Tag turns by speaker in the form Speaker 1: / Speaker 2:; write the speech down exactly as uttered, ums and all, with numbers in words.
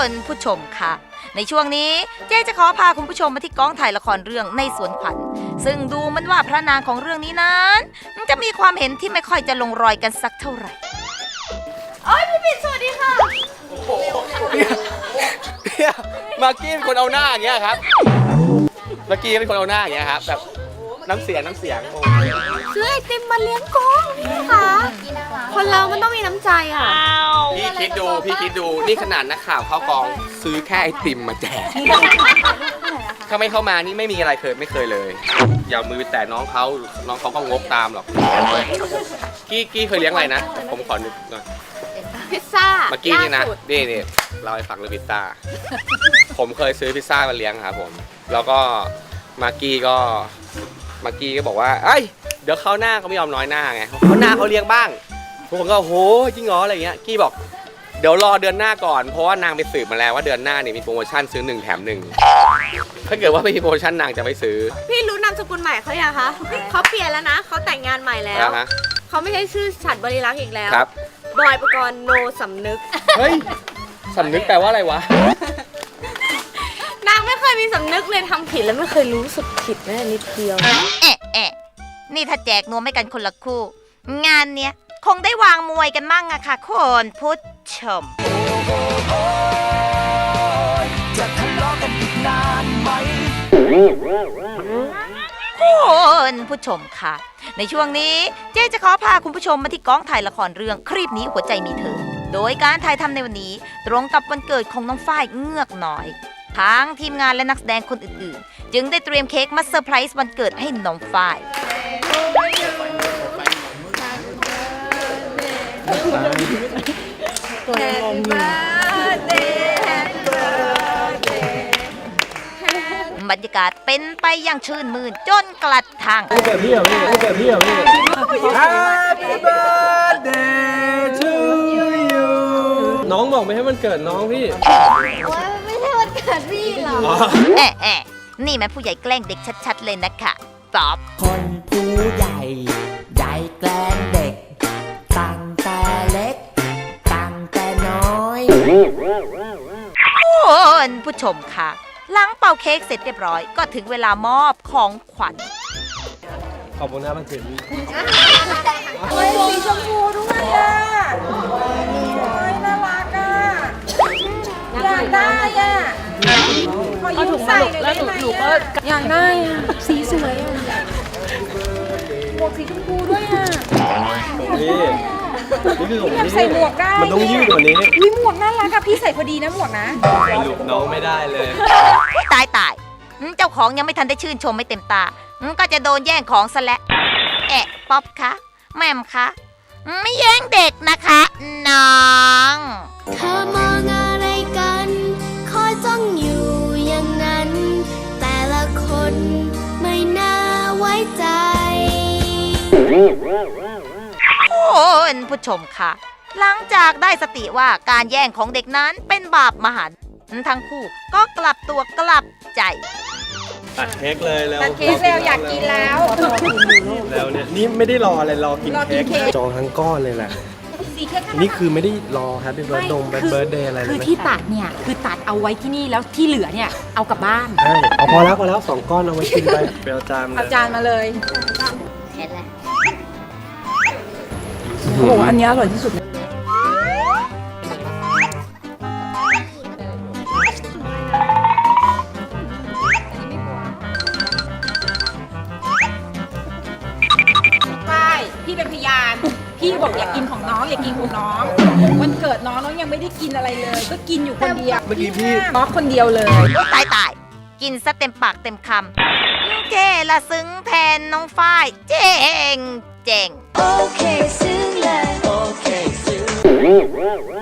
Speaker 1: คุณผู้ชมค่ะในช่วงนี้เจ๊จะขอพาคุณผู้ชมมาที่กองถ่ายละครเรื่องในสวนขวัญซึ่งดูเหมือนว่าพระนางของเรื่องนี้นั้นจะมีความเห็นที่ไม่ค่อยจะลงรอยกันสักเท่าไหร่
Speaker 2: โอ้ยพี่ปิ่นสวัสดีค่ะ
Speaker 3: เนี่ยมากกี้เป็นคนเอาหน้าอย่างเงี้ยครับมากกี้เป็นคนเอาหน้าอย่างเงี้ยครับแบบน้ำเสียงน้ำเสียง
Speaker 2: ซื้อไอติมมาเลี้ยงกองค่ะคนเรามันต้องมีน้ำใจอ่ะ
Speaker 3: พี่คิดดูพี่คิดดูนี่ขนาดนักข่าวเข้ากองซื้อแค่ไอติมมาแจกถ้าไม่เข้ามานี่ไม่มีอะไรเคยไม่เคยเลยอย่ามือแต่น้องเขาน้องเขาก็งกตามหรอกกี้กี้เคยเลี้ยงอะไรนะผมขอนึกหน่อย
Speaker 2: พิซซ่า
Speaker 3: เมื่อกี้นี่นะนี่นี่เราให้ฟังเรื่องพิซซ่าผมเคยซื้อพิซซ่ามาเลี้ยงครับผมแล้วก็มากกี้ก็มากกี้ก็บอกว่าเอ้ยเดี๋ยวเขาหน้าเขาไม่ยอมน้อยหน้าไงเขาหน้าเขาเลี้ยงบ้างทุกคนก็โหจริงเหรออะไรเงี้ยกี้บอกเดี๋ยวรอเดือนหน้าก่อนเพราะว่านางไปสืบมาแล้วว่าเดือนหน้าเนี่ยมีโปรโมชั่นซื้อหนึ่งแถมหนึ่งถ้าเกิดว่าไม่มีโปรโมชั่นนางจะไม่ซื้อ
Speaker 2: พี่รู้นามสกุลใหม่เขายังคะเขาเปลี่ยนแล้วนะเขาแต่งงานใหม่แล้วเขาไม่ใช่ชื่อฉัตรบริลักษ์อีกแล้วบอยปกรณ์โนสำนึก
Speaker 3: เฮ้ยสำนึกแปลว่าอะไรวะ
Speaker 2: นางไม่เคยมีสำนึกเลยทำผิดแล้วไม่เคยรู้สึกผิดแม้นิดเดียว
Speaker 1: เอ๊ะเอ๊ะนี่ถ้าแจกนวมให้กันคนละคู่งานเนี้ยคงได้วางมวยกันมั่งอะค่ะคุณผู้ชมจะทะเลาะกันอีกนานไหมคุณผู้ชมค่ะในช่วงนี้เจ๊จะขอพาคุณผู้ชมมาที่กองถ่ายละครเรื่องครีบนี้หัวใจมีเธอโดยการถ่ายทำในวันนี้ตรงกับวันเกิดของน้องฝ้ายเงือกน้อยทั้งทีมงานและนักแสดงคนอื่นๆจึงได้เตรียมเค้กมาเซอร์ไพรส์วันเกิดให้น้องฝ้ายบรรยากาศเป็นไปอย่างชื่นมื่นจนกระทั่ง
Speaker 4: เกิดพี่เหรอพี่เกิดพี่เหรอพี่ Happy birthday to you น้องบอกไม่ให้มันเกิดน้องพี่
Speaker 2: โอ้ยไม่ใช่วันเกิดพี่หรอ
Speaker 1: แอะแอะนี่แม่ผู้ใหญ่แกล้งเด็กชัดๆเลยนะคะป๊อบ
Speaker 5: คนผู้ใหญ่ใหญ่แกล้งเด็กตั้งแต่เล็กตั้งแต่น้อย
Speaker 1: คุณผู้ชมค่ะหลังเป่าเค้กเสร็จเรียบร้อยก็ถึงเวลามอบของขวัญ
Speaker 4: ขอบคุณนะมันเกิดพี่
Speaker 2: โอ้ยสีชมพูด้วยอ่ะโอ้ยน่ารักอ่ะอยากได้อ่ะขอยืมใส่หน่อยได้ไหมอ่ะอยากได้อ่ะสีสวยอ่ะหมวกสีชมพูด้วยอ่ะ
Speaker 4: นี่นี่คือของพี่
Speaker 2: ใส่หมวกได้
Speaker 4: มันต้องยืดกว่านี้
Speaker 2: วิหมวกน่ารักอะพี่ใส่พอดีนะหมวกนะ
Speaker 4: หลุดน้องไม่ได้เลย
Speaker 1: ตายตายเจ้าของยังไม่ทันได้ชื่นชมไม่เต็มตาก็จะโดนแย่งของซะแล้วแอะป๊อปคะแม่มคะไม่แย่งเด็กนะคะน้อง
Speaker 2: เธอมองอะไรกันคอยจ้องอยู่อย่างนั้นแต่ละคนไม่น่าไว้ใจ
Speaker 1: คุณผู้ชมค่ะหลังจากได้สติว่าการแย่งของเด็กนั้นเป็นบาปมหันต์ทั้งคู่ก็กลับตัวกลับใจ
Speaker 4: ตัดเค้กเลยแล้ว
Speaker 2: ตัดเค้กแล้วอยากกินแล้ว
Speaker 4: แล้วเนี่ยนี่ไม่ได้รออะไรรอกินเค้กจองทั้งก้อนเลยแหละนี่คือไม่ได้รอแฮปปี้เบิร์ดดงเบิร์ดเดย์อะไรเลย
Speaker 6: คือที่ตัดเนี่ยคือตัดเอาไว้ที่นี่แล้วที่เหลือเนี่ยเอากลับบ้าน
Speaker 4: ใช่เอาพอแล้วพอแล้วสองก้อนเอาไว้กินไปเปรี้ยวจาน
Speaker 2: เอาจานมาเลย
Speaker 1: เห็นแล้ว
Speaker 6: โอ้โหอันนี้อร่อยที่สุดพี่เป็นพยานพี่บอกอยากกินของน้องอยากกินของน้องวันเกิดน้องน้องยังไม่ได้กินอะไรเลยก็กินอยู่คนเดียว
Speaker 4: เมื่อกี้พี่
Speaker 6: น้องคนเดียวเลย
Speaker 1: ตายตายกินซะเต็มปากเต็มคำเจละซึ้งแทนน้องฝ้ายเจ๋งเจ๋ง
Speaker 2: โอเคซึ้งเลยโอเคซึ้ง